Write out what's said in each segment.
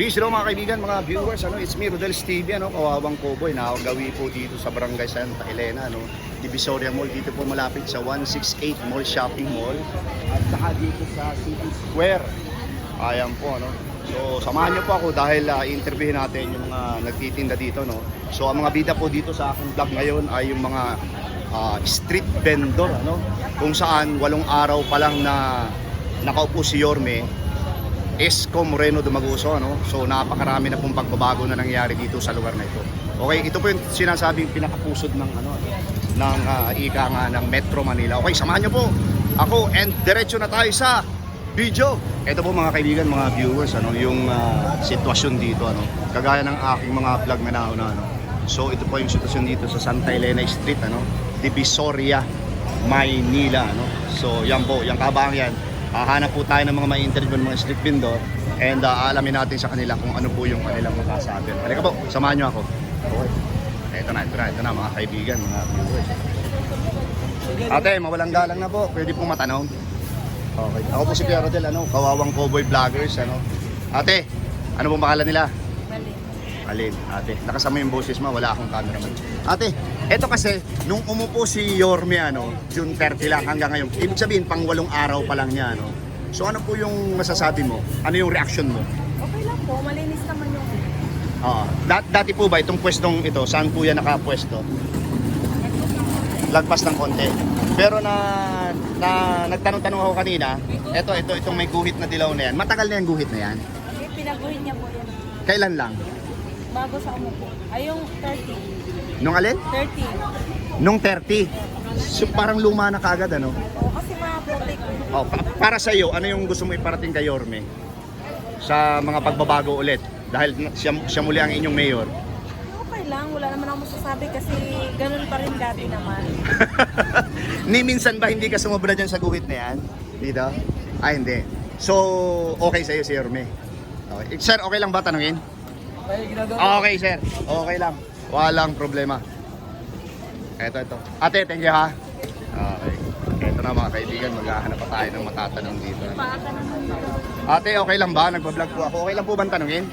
Peace, hello mga kaibigan, mga viewers. It's me, Rodel's TV, Kawawang Cowboy. Nakagawi po dito sa Barangay Santa Elena, Divisoria Mall. Dito po malapit sa 168 Mall Shopping Mall. At saka dito sa City Square. Ayan po, So, samahan niyo po ako dahil i-interviewin natin yung mga nagtitinda dito, So, ang mga bida po dito sa aking vlog ngayon ay yung mga street vendor, Kung saan 8 araw pa lang na nakaupo si Yorme Esco Moreno Dumaguso, So napakarami na pong pagbabago na nangyari dito sa lugar na ito. Okay, ito po yung sinasabing pinakapusod ng ika nga ng Metro Manila. Okay, samahan niyo po ako and diretso na tayo sa video. Ito po mga kaibigan, mga viewers, yung sitwasyon dito, Kagaya ng aking mga vlog na nauna, So ito po yung sitwasyon dito sa Santa Elena Street, Divisoria, Maynila, So yan po, yung kabang yan. Hanap po tayo ng mga may interview ng mga street vendor and alamin natin sa kanila kung ano po yung kanilang makasabi. Halika po, samahan nyo ako. Okay. Ito na mga kaibigan, mga viewers. Ate, mawalang galang na po. Pwede pong matanong. Okay. Ako po si Kuya Rodel, Kawawang Cowboy Vloggers, Ate, ano pong pangalan nila? Alin, ate. Nakasama yung boses mo, wala akong cameraman. Ate, eto kasi, nung umupo si Yorme, June 30 lang hanggang ngayon. Ibig sabihin, pang 8 araw pa lang niya, So ano po yung masasabi mo? Ano yung reaction mo? Okay lang po, malinis naman yung... Dati po ba itong pwestong ito, saan po yan nakapwesto? Lagpas ng konti. Pero nagtanong-tanong ako kanina, itong may guhit na dilaw na yan. Matagal na yung guhit na yan? Pinaguhin niya po yan. Kailan lang? Bago sa umupo. Ay, yung 30. Nung alin? 30. Nung 30. So, parang luma na kagad, Oo, kasi maputik. Para sa iyo, ano yung gusto mo iparating kay Yorme? Sa mga pagbabago ulit? Dahil siya muli ang inyong mayor. Okay lang, wala naman ako masasabi kasi ganun pa rin dati naman. Ni minsan ba hindi ka sumobra dyan sa guhit na yan? Dito? Ay, hindi. So, okay sa iyo si Yorme? Okay. Sir, okay lang ba tanungin? Okay, sir. Okay lang. Walang problema. Ito. Ate, thank you ha. Okay. Ito na mga kaibigan, maghahanap pa tayo ng matatanong dito. Ate, okay lang ba? Nagbablog po ako. Okay lang po bang tanungin?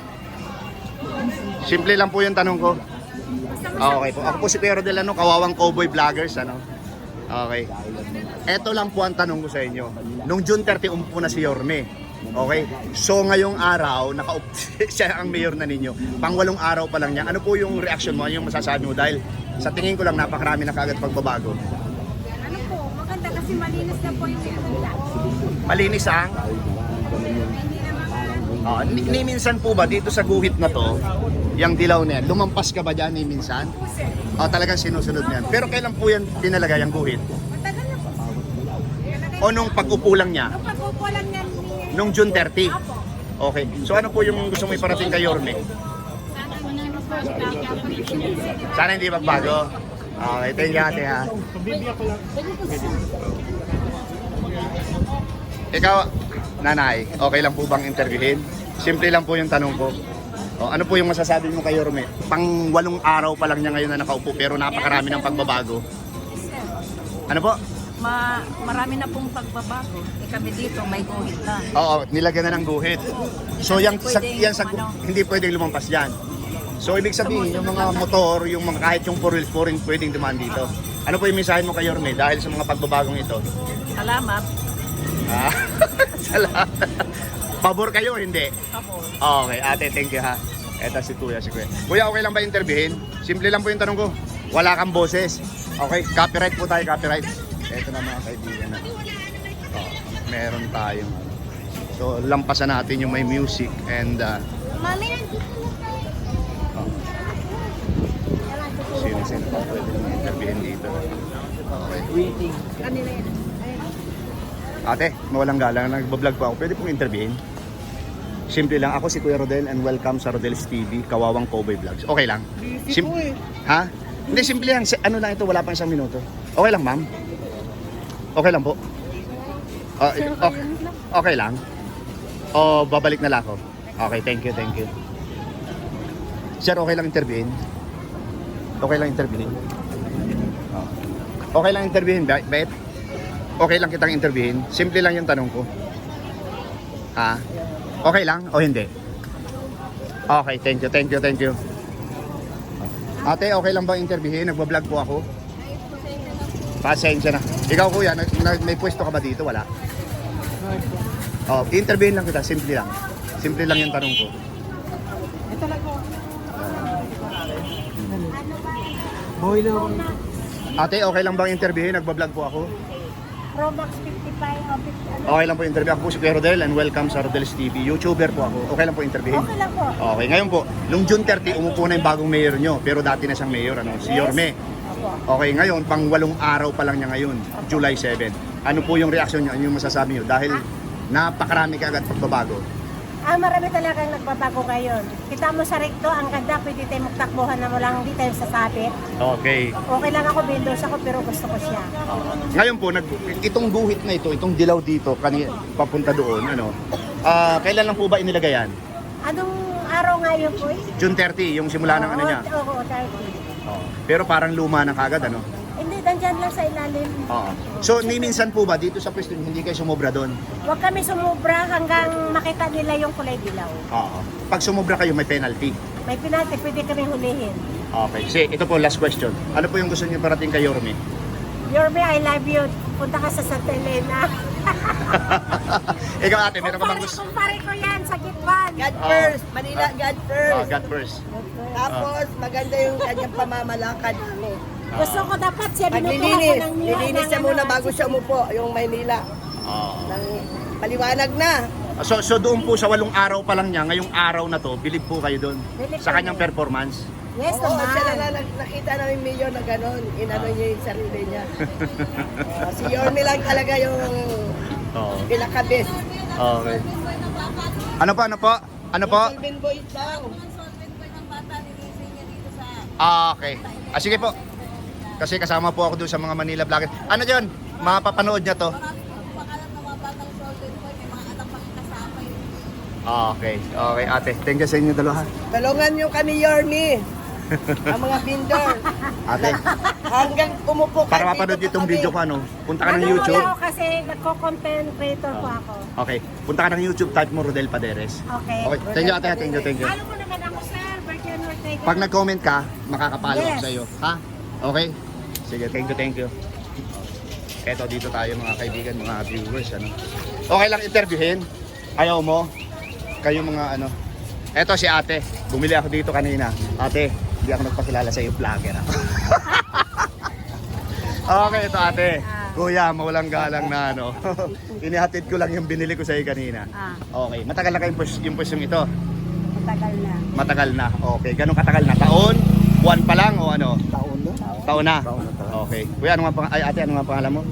Simple lang po yung tanong ko. Okay po. Ako po si Kuya Rodel, Kawawang Cowboy Vloggers, Okay. Ito lang po ang tanong ko sa inyo. Nung June 30, umupo na si Yorme. Okay? So ngayong araw, siya ang mayor na ninyo. Pang 8 araw pa lang niya. Ano po yung reaction mo? Ano yung masasabi mo? Dahil sa tingin ko lang napakarami na kagad pagbabago. Ano po, maganda kasi malinis na po yung handa. Malinis ang? Ni minsan po ba dito sa guhit na to, yung dilaw na yan, lumampas ka ba dyan ni minsan? Talagang sinusunod niyan. Pero kailan po yan dinalagay ang guhit? Matagal na po. O nung pag-upo lang niya? Nung pag-upo lang yan. Nung June 30? Okay. So ano po yung gusto mo iparating kay Yorme? Sana hindi magbago. Okay, thank you ate ha. Ikaw, nanay, okay lang po bang interviewin? Simple lang po yung tanong ko. Ano po yung masasabi mo kay Yorme? Pang 8 araw pa lang niya ngayon na nakaupo pero napakarami ng pagbabago. Ano po? Marami na pong pagbabago. Kami dito, may guhit na. Oo, nilagyan na ng guhit. So hindi pwedeng lumampas yan. So ibig sabihin, yung mga motor, yung mga kahit yung 4 wheels pwedeng dumaan dito. Ano po yung mensahe mo kay Yorme dahil sa mga pagbabagong ito? Salamat. Salamat. Pabor kayo, hindi? Ako. Okay, ate, thank you ha. Eto si Kuya. Kuya, okay lang ba interviewin? Simple lang po yung tanong ko. Wala kang boses. Okay, copyright po tayo, copyright. Eto na mga kaibigan na. Meron tayong. So, lampasan natin yung may music and Mami, sino pa pwede nang interviewin dito. Okay. kanila yan. Ate, mawalang galang. Nagbablog po ako. Pwede pong interviewin? Simple lang. Ako si Kuya Rodel and welcome sa Rodel's TV, Kawawang Cowboy Vlogs. Okay lang? Ha? Hindi, simple lang. Ano lang ito, wala pang 1 minuto. Okay lang, ma'am? Okay lang po? Okay lang? O babalik na lang ako? Okay, thank you. Sir, okay lang interviewin? Okay lang interviewin? Okay lang interviewin, bet? Okay lang kitang interviewin? Simple lang yung tanong ko. Ha? Okay lang o hindi? Okay, thank you, thank you, thank you. Ate, okay lang bang interviewin? Nagbablog po ako. Pasensya na. Ikaw kuya, may pwesto ka ba dito? Wala? Oh, interviewin lang kita, simple lang. Simple lang yung tanong ko. Ito lang po. Boy na ako. Ate, okay lang bang interviewin? Nagbablog po ako. Pro Max 55 o 50. Okay lang po interview. Ako po si Kuya Rodel and welcome sa Rodel's TV. YouTuber po ako. Okay lang po interviewin? Okay lang po. Okay, ngayon po, nung June 30, umupo na yung bagong mayor nyo. Pero dati na siyang mayor, ano? Si Yes. Yorme. Opo. Okay, ngayon, pang 8 araw pa lang niya ngayon, July 7. Ano po yung reaksyon niyo? Ano yung masasabi niyo? Dahil napakarami ka agad pagbabago. Marami talagang nagbabago ngayon. Kita mo sa recto, ang ganda, pwede tayo magtakbuhan na mo lang, hindi tayo sasabit. Okay. Okay lang ako, Windows ako, pero gusto ko siya. Ngayon po, itong guhit na ito, itong dilaw dito, papunta doon, ano? Kailan lang po ba inilagay yan? Anong araw ngayon po? June 30, yung simula ng ano niya. Oo, 30. Oo. Pero parang luma na kagad, ano? Hindi, nandyan lang sa ilalim. Oo. So, ni minsan po ba dito sa pwesto hindi kayo sumobra doon? Huwag kami sumubra hanggang makita nila yung kulay dilaw. Oo. Pag sumobra kayo, may penalty. May penalty, pwede kami hulihin. Okay. Kasi ito po, last question. Ano po yung gusto niyo parating kay Yorme? Yorme, I love you. Punta ka sa Santa Elena. Ikaw ate, meron ka bang gusto? Kumpare ko yan sa Gitwan. God first, Manila, God first. God first. Tapos, maganda yung kanyang pamamalakad. Gusto ko dapat siya binutuhan ko Paglilinis, ng niwa. lilinis siya muna bago siya umupo, yung Maynila. Nang maliwanag na. So doon po sa 8 araw pa lang niya, ngayong araw na to, bilib po kayo doon Bilib sa kami. kanyang performance. Yes, Oo, siya naman. na nakita namin mayor na gano'n. Inano niya yung sarili niya. Si Yorme lang talaga yung Oo. pinaka-best. Okay. Ano po? Ano po? Solvin boys daw. Okay. Sige po. Kasi kasama po ako doon sa mga Manila vlogger. Ano dyan? Mapapanood niya to? Okay. Okay ate. Thank you sa inyo dalawa. Talungan niyo kami, Yorme. Ang mga vendor. Ate, Hanggang umupo ka. para mapanood dito itong kami. video ko ano, punta ka ng Ano YouTube. ako kasi nagko-content creator po ako. Okay. Punta ka ng YouTube, type mo Rodel Paderes. Okay. Okay. Thank you ate. Thank you. Thank you. Alam mo naman ako, sir. Virgin Ortega. Pag nag-comment ka, makakapalo ako Yes. sa iyo. Ha? Okay? Sige, thank you. Eto, dito tayo mga kaibigan, mga viewers. Ano? Okay lang interviewin? Ayaw mo? Kayo mga ano? Eto si ate. Bumili ako dito kanina. Ate, hindi ako nagpakilala sa iyo. Vlogger ako. Okay, ito ate. Kuya, mawalang galang na ano. Inihatid ko lang yung binili ko sa iyo kanina. Okay, matagal na kayong yung pusyong ito? Matagal na. Matagal na. Okay. Ganun katagal na? Taon? Buwan pa lang o ano? Taon na. Taon na? Taon na. Okay. Kuya, ano nga ay ate, ano nga pangalan mo?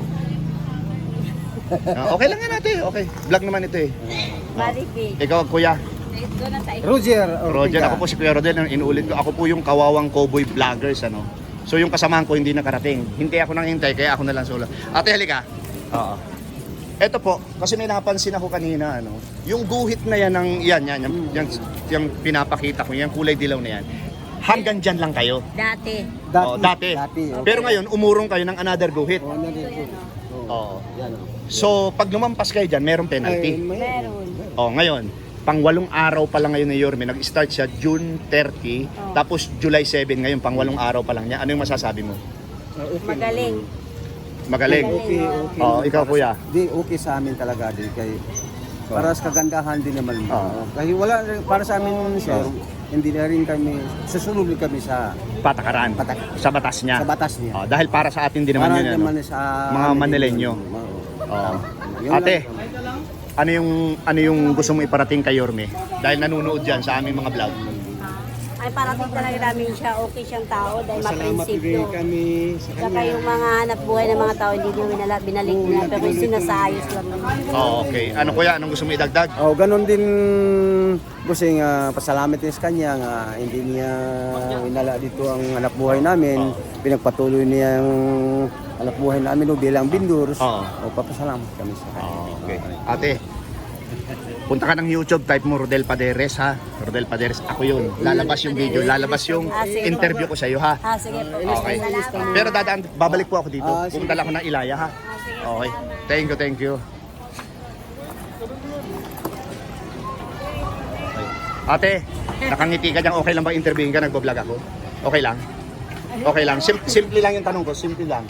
Okay lang yan ate. Okay. Vlog naman ito eh. Maribig. Ikaw, kuya. Roger. Roger, ako po si Kuya Rodel. Inuulit ko, ako po yung kawawang cowboy vloggers. Ano? So yung kasamahan ko hindi nakarating. Hintay ako nang hintay, kaya ako na lang solo. Ate, halika. Oo. Ito po, kasi may napansin ako kanina, ano, yung guhit na yan ng yung pinapakita ko, yung kulay dilaw na yan. Hanggang dyan lang kayo. Dati. Dati. Pero ngayon, umurong kayo ng another guhit. Oo, nandito. Oo. Yan. So, pag lumampas kayo dyan, merong penalty. Meron. Oh, ngayon, pang 8 araw pa lang ngayon ni Yorme, nag-start siya June 30, tapos July 7 ngayon, pang 8 araw pa lang niya. Ano yung masasabi mo? Magaling. Magaling. Okay. Oh, ikaw kuya. Di, okay sa amin talaga. Di, kay, para sa kagandahan din naman. Oo. Kasi wala, para sa amin, sir, hindi na rin kami, susunod din kami sa Patakaran. Sa batas niya. sa batas niya. Oh, dahil para sa atin din naman Para yun. naman Ano? sa Mga Manileño. Oh. Ate, ano yung gusto mo iparating kay Yorme? Dahil nanonood dyan sa aming mga vlog. Ay parating talaga namin siya, okay siyang tao dahil Salamat maprinsipyo. kami sa Saka yung mga hanap buhay ng mga tao hindi nyo binalik nila pero sinasayos lang naman. Oh, okay. Ano kuya, anong gusto mo idagdag? Oh, ganun din busing pasalamat din sa kanya nga hindi niya inala dito ang anak buhay namin. Pinagpatuloy niya ang anak buhay namin bilang bindurs. Oo. Papasalamat kami sa kanya. Okay. Ate, punta ka ng YouTube, type mo Rodel Paderes ha. Rodel Paderes, ako yun. Lalabas yung video, lalabas yung interview ko sa iyo ha. Sige po. Okay. Salamat. Pero babalik po ako dito. Sige. Pupunta lang ako ng Ilaya ha. Okay. Thank you. Ate, nakangiti ka dyan. Okay lang bang interviewin ka? Nagbablog ako? Okay lang? Okay lang. Simple lang yung tanong ko. Simple lang.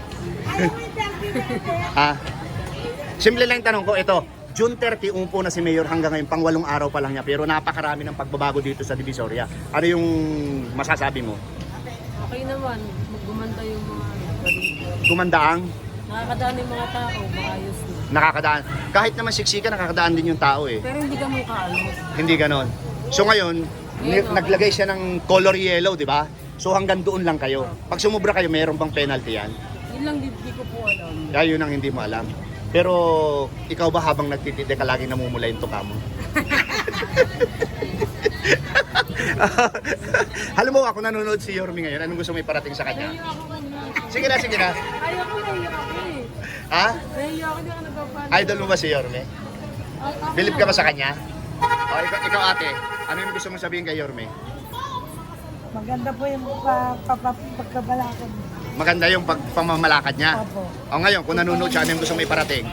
Ah, simple lang yung tanong ko. Ito, June 30, umupo na si Mayor hanggang ngayon. Pang 8 araw pa lang niya. Pero napakarami ng pagbabago dito sa Divisoria. Ano yung masasabi mo? Okay naman, maggumanda yung mga Gumandaang? nakakadaan yung mga tao, maayos na. Nakakadaan. Kahit naman siksika, nakakadaan din yung tao eh. Pero hindi ka mukha Hindi ganon. So ngayon, naglagay siya ng color yellow, di ba? So hanggang doon lang kayo. Pag sumubra kayo, mayroon bang penalty yan? Yun lang di ko po alam. Kaya yun ang hindi mo alam. Pero ikaw ba habang nagtitinde ka laging namumula yung tuka mo? Alam mo, ako nanonood si Yorme ngayon. Anong gusto mo iparating sa kanya? Sige na, sige na. Ayoko na eh. Ha? Nahiya ako, hindi ako nagpapala. Idol mo ba si Yorme? Bilib ka ba sa kanya? O, ikaw ate, ano yung gusto mong sabihin kay Yorme? Maganda po yung pagkabalakad. Maganda yung pagpamamalakad niya. Opo. O ngayon, kung nanonood siya, ano yung gusto mo iparating?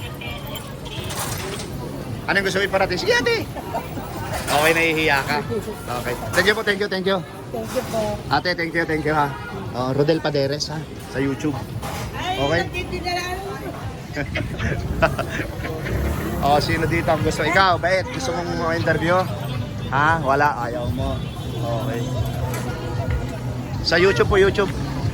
Ano yung gusto mo iparating? Sige ate! Okay, nahihiya ka. Okay. Thank you po, thank you, thank you. Thank you po. Ate, thank you ha. Rodel Paderes ha, sa YouTube. Okay? Sino dito ang gusto? Ikaw, bait, gusto mong interview? Ha? Wala, ayaw mo. Okay. Sa YouTube po, YouTube.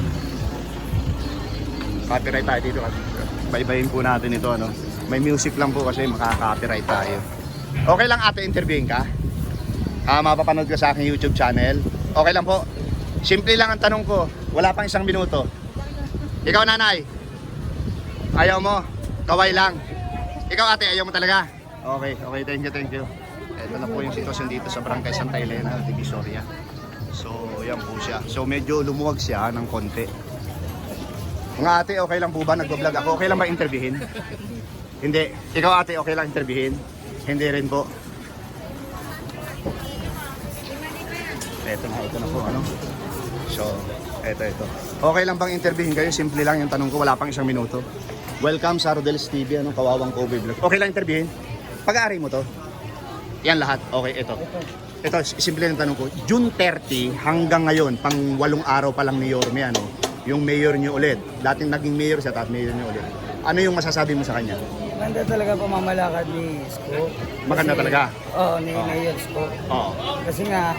Copyright tayo dito. Baybayin po natin ito, ano. May music lang po kasi makaka-copyright tayo. Okay lang ate, interviewin ka? Mapapanood ka sa aking YouTube channel. Okay lang po. Simple lang ang tanong ko. Wala pang 1 minuto. Ikaw nanay? Ayaw mo? Kaway lang. Ikaw ate, ayaw mo talaga? Okay, okay, thank you. Ito na po yung sitwasyon dito sa Barangay Santa Elena, Divisoria. So, yan po siya. So, medyo lumuwag siya ng konti. Mga ate, okay lang po ba? Nagbablog ako. Okay lang ba interviewin? Hindi. Ikaw ate, okay lang interviewin? Hindi rin po. Ito na po, ano? So, ito. Okay lang bang interviewin kayo? Simple lang yung tanong ko, wala pang 1 minuto. Welcome sa Rodel's TV, anong Kawawang Cowboy Vlog. Okay lang interviewin? Pag-aari mo to? Yan lahat. Okay, ito. Ito, simple yung tanong ko. June 30 hanggang ngayon, pang 8 araw pa lang ni Yorme, ano? Yung mayor niyo ulit. Dating naging mayor siya, tapos mayor niyo ulit. Ano yung masasabi mo sa kanya? Maganda talaga pamamalakad ni Isko. Maganda talaga? Oo, ni Mayor Isko. Oo. Kasi nga,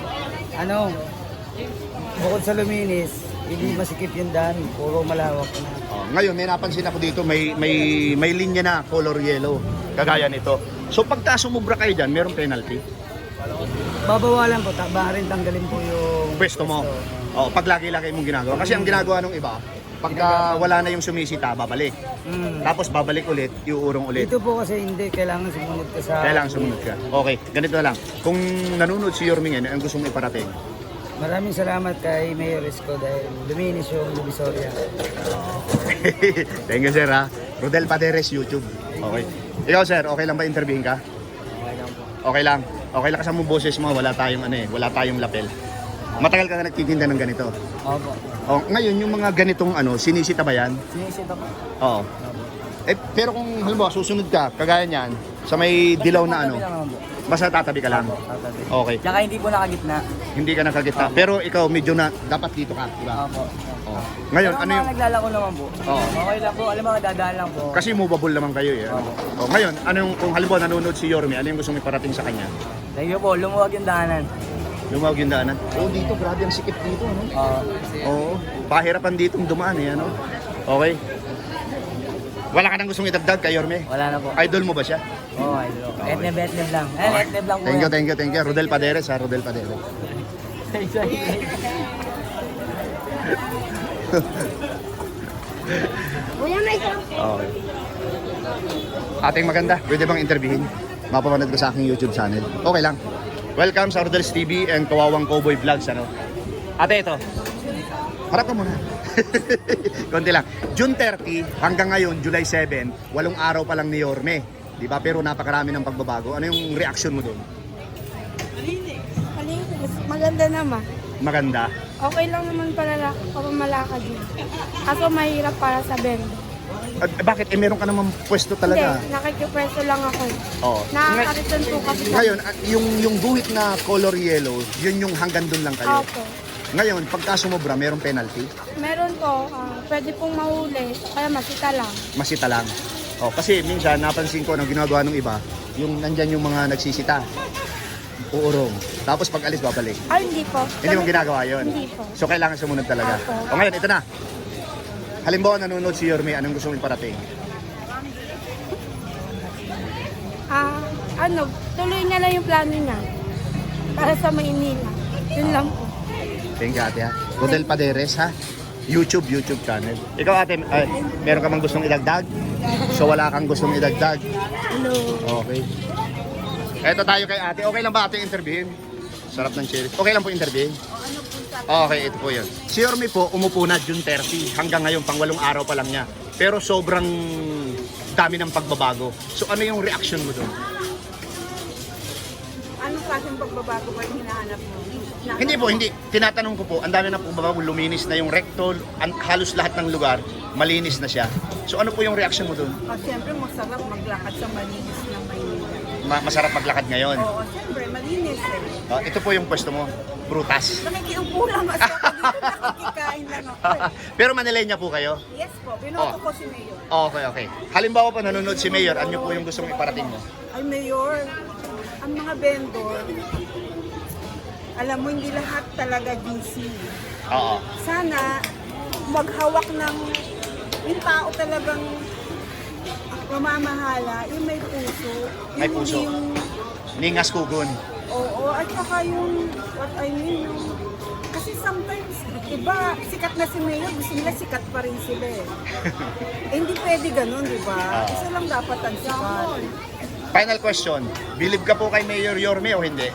bukod sa luminis, hindi masikip yung daan, puro malawak na. Oh, ngayon may napansin ako dito, may linya na color yellow, kagaya nito. So pagka sumubra kayo diyan, merong penalty. Babawalan po, rin tanggalin po yung Pwesto mo. Oh, pag lagi-lagi mong ginagawa. Kasi ang ginagawa ng iba, pagka wala na yung sumisita, babalik. Tapos babalik ulit, iuurong ulit. Dito po kasi hindi, kailangan sumunod ka sa... Kailangan sumunod ka. Okay, ganito na lang. Kung nanonood si Yorme ngayon, ang gusto mong iparating? Maraming salamat kay Mayor Isko dahil luminis yung Divisoria. Thank you sir ha. Rodel Paderes YouTube. Okay. Ikaw sir, okay lang ba interviewin ka? Okay lang po. Okay lang. Okay lang kasi mo boses mo, wala tayong wala tayong lapel. Matagal ka na nagtitinda ng ganito. Opo. Oh, ngayon yung mga ganitong sinisita ba yan? Sinisita po. Oo. Pero kung halimbawa susunod ka, kagaya niyan, sa may dilaw na basta tatabi ka lang. Tatabi. Okay. Tsaka hindi po nakagitna. Hindi ka nakagitna. Pero ikaw medyo na dapat dito ka, di ba? Opo. Oh. Ngayon, ano yung naglalako naman po. Oo. Okay lang po, alam mo, dadaan lang po. kasi movable naman kayo eh. Oh, ngayon, ano yung kung halimbawa nanonood si Yorme, ano yung gusto mong iparating sa kanya? Thank you po, lumuwag yung daanan. Lumawag yung daanan. Oh, dito grabe ang sikip dito, no? Oo. Pahirapan dito dumaan eh, ano? Okay. Wala ka nang gustong idagdag kay Yorme? Wala na po. Idol mo ba siya? Oo, idol. Etneb lang. Etneb lang po. Thank you. Rodel Paderes ha, Rodel Paderes. Okay. Ating maganda, pwede bang interviewin? Mapapanood ko sa aking YouTube channel. Okay lang. Welcome sa Rodel's TV and Kawawang Cowboy Vlogs, ano? Ate, ito. Harap ka muna. Konti lang. June 30 hanggang ngayon, July 7, 8 araw pa lang ni Yorme. Di ba? Pero napakarami ng pagbabago. Ano yung reaction mo doon? Maganda naman. Maganda. Okay lang naman pala papamalakad yun. Kaso mahirap para sa benda. Bakit? Meron ka naman pwesto talaga. Hindi, nakikipwesto lang ako. Oo. Nakakariton po kami. Ngayon, yung guhit na color yellow, yun yung hanggang doon lang kayo. Opo. Ngayon, pagka sumobra, merong penalty? Meron po, pwede pong mahuli, kaya masita lang. Masita lang. Kasi minsan, napansin ko, nang ginagawa ng iba, yung nandyan yung mga nagsisita. Uurong. Tapos pag alis, babalik. Ay, hindi po. Hindi mo ginagawa yun? Hindi po. So, kailangan sumunod talaga. Opo. Ngayon, ito na. Halimbawa, nanonood si Yorme, anong gusto mong iparating? Tuloy na lang yung plano niya. Para sa Maynila. Yun lang po. Thank you, ate, ha? Rodel Paderes, ha? YouTube channel. Ikaw, ate, meron ka bang gustong idagdag? So, wala kang gustong idagdag? Hello. Okay. Eto tayo kay ate. Okay lang ba ate interviewin? Sarap ng cherries. Okay lang po interviewin? Okay, ito po yun. Si Yorme po, umupo na June 30. Hanggang ngayon, pang 8 araw pa lang niya. Pero sobrang dami ng pagbabago. So ano yung reaction mo doon? Anong klaseng pagbabago ba yung hinahanap mo? Hindi po, hindi. Tinatanong ko po, ang dami ng pagbabago. Luminis na yung recto. Halos lahat ng lugar, malinis na siya. So ano po yung reaction mo doon? Siyempre, masarap maglakad sa malinis na Maynila. Masarap maglakad ngayon. Oo, siyempre, malinis eh. Ito po yung pwesto mo. Prutas. Nakikiupo lang kasi ako dito, nakikikain lang ako eh. Pero Manilenya po kayo? Yes po, binoto ko si Mayor. Okay. Halimbawa po nanonood si Mayor, ano po yung gusto mong iparating mo? Ay, Mayor, ang mga vendor, alam mo, hindi lahat talaga GC. Oo. Sana maghawak ng yung tao talagang mamamahala, yung may puso. May Yung puso. Yung, Ningas Kugon. oo, at saka yung, what I mean, yung, kasi sometimes, iba, sikat na si Mayor, gusto nila sikat pa rin sila eh. Hindi pwede ganun, di ba? Isa lang dapat ang sikat. Final question, believe ka po kay Mayor Yorme o hindi?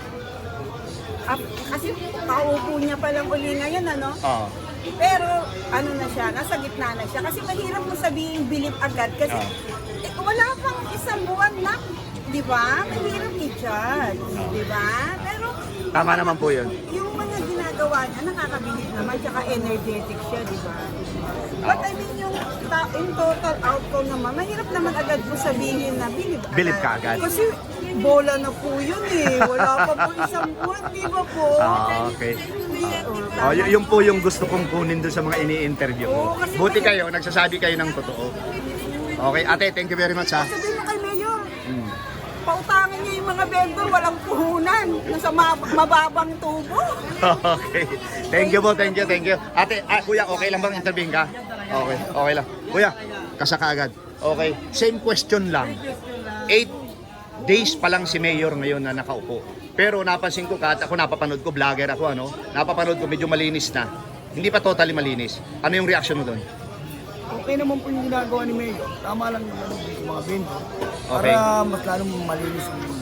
Kasi paupo niya pa lang uli ngayon, ano? Oo. Pero ano na siya, nasa gitna na siya. Kasi mahirap mo sabihin believe agad. Kasi wala pang isang buwan na, di ba? Mahirap i-judge, di ba? Pero Tama naman po yun. yung mga ginagawa niya, nakakabilib naman, tsaka energetic siya, di ba? But I mean, yung in total outcome naman, mahirap naman agad mo sabihin na believe agad. Believe ka agad. Kasi bola na po yun eh. Wala pa po isang buwan, di ba po? Okay. Oo, Yun po yung gusto kong kunin doon sa mga ini-interview ko. Oo, kasi Buti kayo, nagsasabi kayo ng totoo. Okay, ate, thank you very much ha. sabihin mo kay Mayor, pautangin niya yung mga vendor, walang puhunan, nasa mababang tubo. Okay. Thank you po, thank you. Ate, kuya, okay lang bang interviewin ka? Okay lang. Kuya, kasaka agad. Okay, same question lang. 8 days pa lang si Mayor ngayon na nakaupo. Pero napansin ko, kahit ako napapanood ko, vlogger ako, napapanood ko, medyo malinis na. Hindi pa totally malinis. Ano yung reaction mo doon? Okay naman po yung ginagawa ni Mayor. Tama lang yung mga vendor. Okay. Para mas lalong malinis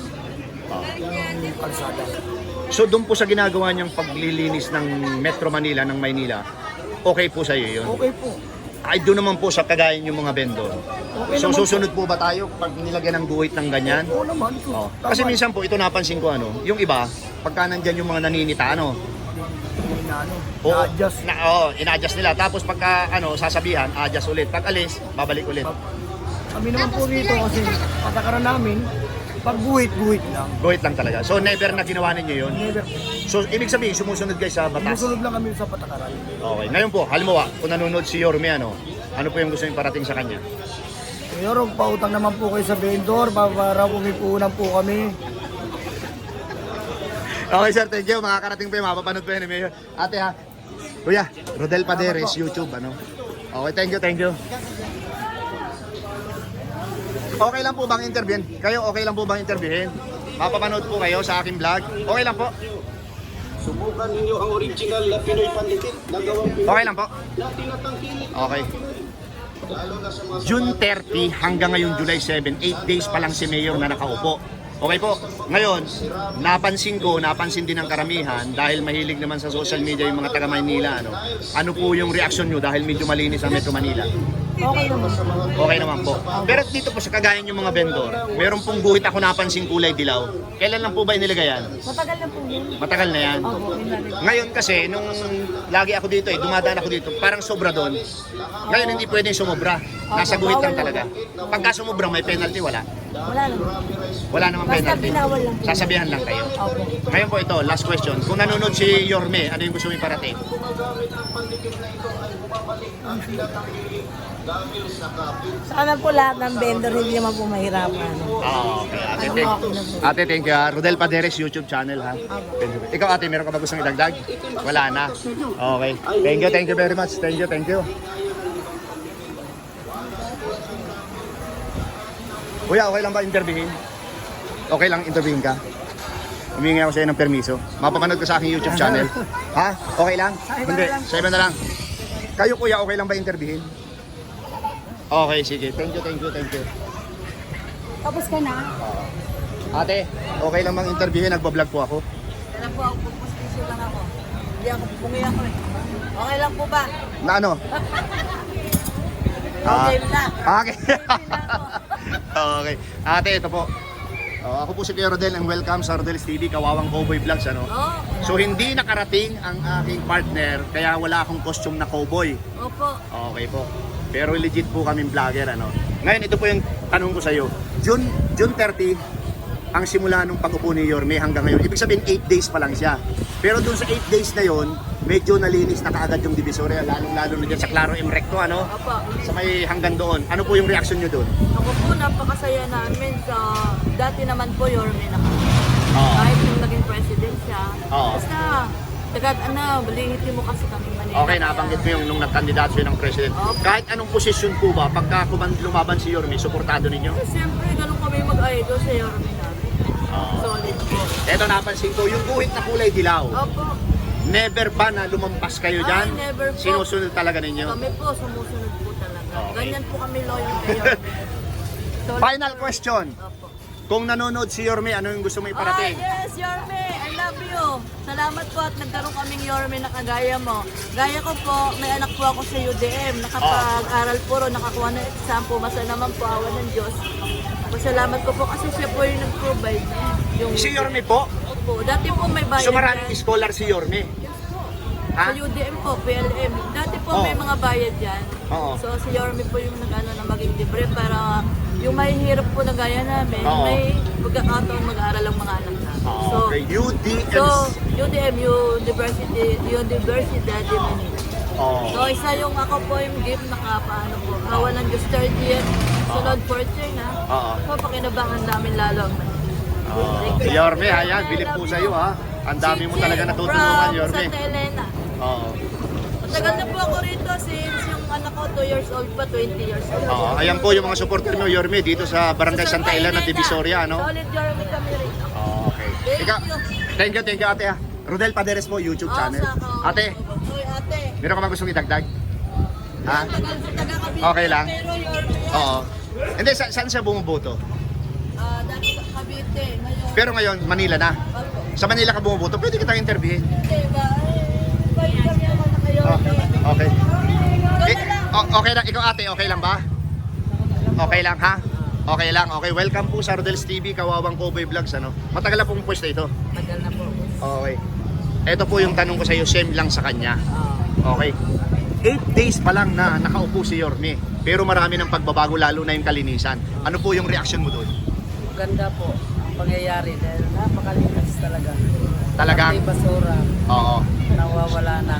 yung kalsada. So doon po sa ginagawa niyang paglilinis ng Metro Manila, ng Maynila, okay po sa iyo yun? Okay po. Ay doon naman po sa kagayan yung mga vendor. Okay So naman susunod po ba tayo pag nilagyan ng guhit ng ganyan? Oo naman. Oh. Tama. Kasi minsan po ito napansin ko yung iba, pagka nandyan yung mga naninita Na-adjust. ina-adjust nila. Tapos pagka sasabihan, adjust ulit. Pag alis, babalik ulit. Kami naman po rito kasi patakaran namin, pag guhit lang. Guhit lang talaga. So never na ginawa ninyo yun. Never. So ibig sabihin, sumusunod guys sa batas. Musunod lang kami sa patakaran. Okay. Ngayon po, halimbawa, kung nanonood si Yorme, ano po yung gusto yung parating sa kanya? Mayor, pautang naman po kayo sa vendor para pumipunan po kami. Okay sir, thank you. Makakarating pa yung mapapanood pa yun ni Mayor. Ate ha, kuya, Rodel Paderes, YouTube, Okay, thank you. Okay lang po bang interviewin? Kayo, okay lang po bang interviewin? Mapapanood po kayo sa aking vlog? Okay lang po? Subukan ninyo ang original na Pinoy Pandikit na gawang Pinoy Okay lang po? na tinatangkilik. Okay. Lalo na sa mga June 30 hanggang ngayon July 7, 8 days pa lang si Mayor na nakaupo. Okay po. Ngayon, napansin din ng karamihan dahil mahilig naman sa social media yung mga taga Maynila. Ano po yung reaction nyo dahil medyo malinis ang Metro Manila? Okay naman. Okay naman po. Pero dito po sa kagaya yung mga vendor, meron pong guhit ako napansin kulay dilaw. Kailan lang po ba inilagay yan? Matagal na po yun. Matagal na yan. Opo, inalit. Ngayon kasi, nung lagi ako dito dumadaan ako dito, parang sobra doon. Ngayon hindi pwedeng sumobra. Nasa guhit lang talaga. Pagka sumobra may penalty, wala. Wala naman. Wala namang Basta penalty. binawal lang. Sasabihan lang kayo. Opo. Ngayon po ito, last question. Kung nanonood si Yorme, ano yung gusto mo iparating? Sana po lahat ng vendor hindi naman po mahirapan. Okay, ate, thank you. Rodel Paderes YouTube channel ha. Ikaw ate, meron ka ba gustong idagdag? Wala na. Okay. Thank you very much. Thank you. Kuya, okay lang ba interviewin? Okay lang interviewin ka? Humingi ako sa'yo ng permiso. Mapapanood ko sa aking YouTube channel. Ha? Okay lang? Hindi, sa iba na lang. Kayo kuya, okay lang ba interviewin? Okay, sige. Thank you. Tapos ka na? Ate, okay lang bang interviewin? Nagbablog po ako. Kaya po ako, pupustiso lang ako. Hindi ako pupungi ako eh. Okay lang po ba? Na ano? Okay lang. Okay. Okay. Ate, ito po. Ako po si Kuya Rodel and welcome sa Rodel's TV, Kawawang Cowboy Vlogs. Ano? Oo. So hindi nakarating ang aking partner kaya wala akong costume na cowboy. Opo. Okay po. Pero legit po kaming vlogger. Ano? Ngayon, ito po yung tanong ko sa iyo. June 30, ang simula nung pag-upo ni Yorme hanggang ngayon. Ibig sabihin 8 days pa lang siya. Pero dun sa 8 days na yon, medyo nalinis na kaagad yung Divisoria, lalong-lalo na dyan sa Claro M Recto, ano? Opo. Sa may hanggang doon. Ano po yung reaction nyo doon? Ako po, napakasaya namin sa dati naman po Yorme na kami. Oo. Kahit yung naging president siya. Oo. Basta, tagad balihiti mo kasi kami Manila. Okay, nabanggit mo yung nung nagkandidato siya ng president. Opo. Kahit anong posisyon po ba, pagka lumaban si Yorme, suportado ninyo? Siyempre, ganun kami mag-idol sa Yorme namin. Solid po. Eto napansin ko, yung guhit na kulay dilaw. Opo. Never ba na lumampas kayo dyan? Ay, never po. Sinusunod talaga ninyo? Kami po, sumusunod po talaga. Okay. Ganyan po kami loyal kay Yorme. Solid Final po. question. Opo. Kung nanonood si Yorme, ano yung gusto mo iparating? Yes, Yorme! I love you! Salamat po at nagkaroon kaming Yorme na kagaya mo. Gaya ko po, may anak po ako sa UDM. Nakapag-aral po ro, nakakuha ng exam po. Masa naman po, awa ng Diyos. Pasalamat ko po kasi siya po yung nag-provide. Yung Si Yorme po? Opo, dati po may bayad. So maraming yan. scholar si Yorme? Sa Ha? UDM po, PLM. Dati po Oo. may mga bayad yan. Oo. So si Yorme po yung nag-ano na maging libre para yung may hirap po na gaya namin, Oo. may pagkakataon mag-aaral ang mga anak namin. Okay, UDM. So, UDM, Universidad de Manila. Oh. So, isa yung ako po yung gift nakapaano po. Awa ng Diyos, third year, sunod fourth year na. Oo. So, pakinabangan namin lalo ang Si Yorme, ayan, bilip po sa iyo ha. Ang dami mo talaga natutulungan, from Yorme. Santa Elena. Oo. Matagal na po ako rito since yung anak ko 2 years old pa, 20 years old. Oo, ayan po yung mga supporter mo, Yorme, dito sa Barangay Santa Elena, Divisoria, ano? Solid Yorme kami rito. Okay. Thank Ikaw, you. thank you ate ha. Rodel Paderes po, YouTube channel. Ate, Uy, ate. meron ka ba gustong idagdag? Ha? Taga-Cavite Okay lang. Pero Yorme, Oo. Hindi, saan siya bumuboto? dati Cavite, ngayon. Pero ngayon, Manila na. Opo. Sa Manila ka bumuboto, pwede kitang interviewin. Hindi ba? Pwede naman na kayo. Okay. Okay lang, ikaw ate, okay lang ba? Okay lang ha? Okay lang, okay. Welcome po sa Rodel's TV, Kawawang Cowboy Vlogs, ano? Matagal na pong pwesto ito. Tagal na po. Okay. Ito po yung tanong ko sa iyo, same lang sa kanya. Okay. 8 days pa lang na nakaupo si Yorme, pero marami ng pagbabago, lalo na yung kalinisan. Ano po yung reaction mo doon? Ganda po ang pangyayari dahil napakalinis talaga. Talagang? Pati basura, Oo. nawawala na.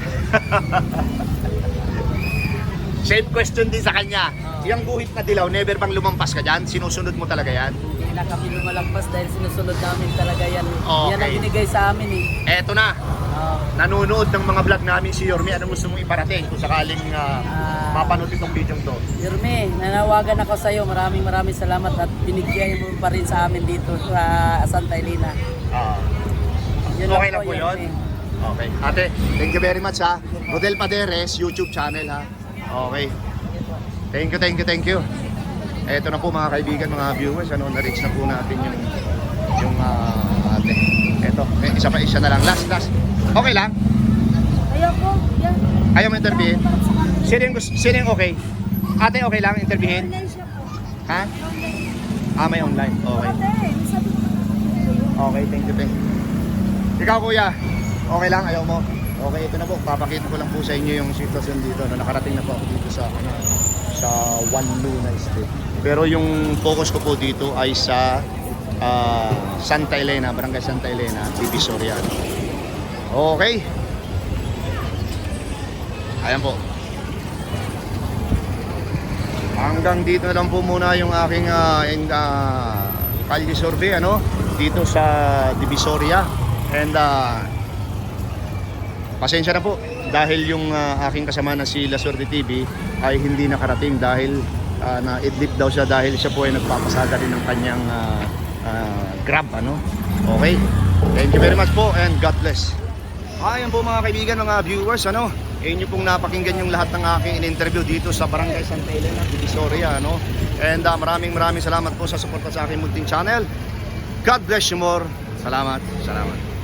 Same question din sa kanya. Yung guhit na dilaw, never bang lumampas ka dyan? Sinusunod mo talaga yan? Hindi na kami lumalagpas dahil sinusunod namin talaga yan. Okay. Yan ang binigay sa amin eh. Eto na. Nanonood ng mga vlog namin si Yorme. Anong gusto mong iparating kung sakaling mapanood itong video to? Yorme, nanawagan ako sa iyo. Maraming salamat at binigyan mo pa rin sa amin dito sa Santa Elena. Yun Okay lang lang po yun? Yorme. Okay. Ate, thank you very much ha. Rodel Paderes, YouTube channel ha. Okay. Thank you. Eto na po mga kaibigan, mga viewers, ano, na-reach na po natin yung ate. Eto, isa na lang. Last. Okay lang? Ayoko. Yan. Ayaw mo interviewin? Sino yung okay? Ate, okay lang interviewin? Ha? Ah, may online. Okay. Okay, thank you. Ikaw kuya, okay lang? Ayaw mo? Okay, ito na po. Papakita ko lang po sa inyo yung sitwasyon dito. Nakarating na po ako dito sa One Luna Street. Pero yung focus ko po dito ay sa Santa Elena, Barangay Santa Elena, Divisoria. Okay. Ayan po. Hanggang dito na lang po muna yung aking kalye survey dito sa Divisoria. And pasensya na po dahil yung aking kasama na si La Suerte TV ay hindi nakarating dahil na-idlip daw siya dahil siya po ay nagpapasada rin ng kanyang Grab. Okay. Thank you very much po and God bless. Ayan po mga kaibigan, mga viewers, nyo pong napakinggan yung lahat ng aking in-interview dito sa Barangay Santa Elena, Divisoria, And maraming salamat po sa suporta sa aking munting channel. God bless you more. Salamat.